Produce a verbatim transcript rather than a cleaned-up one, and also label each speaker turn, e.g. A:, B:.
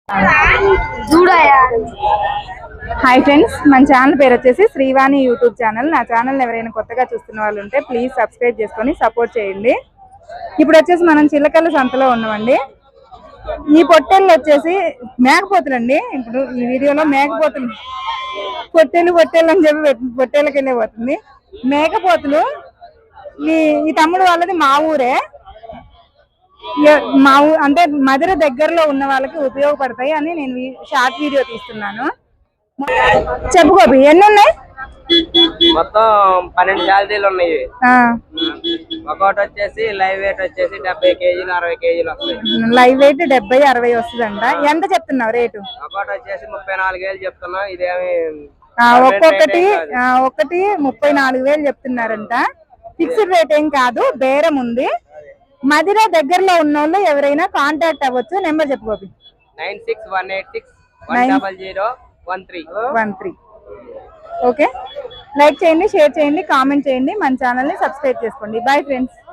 A: Hi friends, మన channel పేరు వచ్చేసి శ్రీవాణి యూట్యూబ్ ఛానల్. నా ఛానల్ ఎవరైనా కొత్తగా చూస్తున్న వాళ్ళు ఉంటే ప్లీజ్ సబ్స్క్రైబ్ చేసుకొని సపోర్ట్ చేయండి. ఇప్పుడు వచ్చేసి మనం చిల్లకల్ల సంతలో ఉన్నామండి. ఈ పొట్టేళ్ళు వచ్చేసి మేకపోతులండి. ఇప్పుడు ఈ వీడియోలో మేకపోతులు పొట్టేలు పొట్టేళ్ళు అని చెప్పి పొట్టేళ్ళకి వెళ్ళే పోతుంది. మేకపోతులు ఈ ఈ తమ్ముడు వాళ్ళది మా ఊరే. మా ఊ అంటే మధుర దగ్గరలో ఉన్న వాళ్ళకి ఉపయోగపడతాయి అని నేను షార్ట్ వీడియో తీస్తున్నాను. చెప్పు గోపి, ఎన్ని ఉన్నాయి?
B: మొత్తం పన్నెండు క్యాలరీలు ఉన్నాయి. ఒకటి వచ్చేసి లైవ్ వెయిట్ వచ్చేసి డెబ్బై కేజీలు అరవై కేజీలు వస్తాయి.
A: లైవ్ వెయిట్ డెబ్బై అరవై వస్తుందంట. ఎంత చెప్తున్నావు రేటు?
B: ఒకటి వచ్చేసి ముప్పై నాలుగు వేలు చెప్తున్నా. ఇదేమి
A: ఒక్కొక్కటి ఒకటి ముప్పై నాలుగు వేలు చెప్తున్నారంట. ఫిక్స్డ్ రేట్ ఏం కాదు, బేరం ఉంది. మదిర దగ్గరలో ఉన్న వాళ్ళు ఎవరైనా కాంటాక్ట్ అవ్వచ్చు. నెంబర్ చెప్పు Gopi.
B: Nine six one eight six one double zero one three
A: one three okay. Like చేయండి, షేర్ చేయండి, కామెంట్ చేయండి, మన ఛానల్ని సబ్స్క్రైబ్ చేసుకోండి. Bye friends.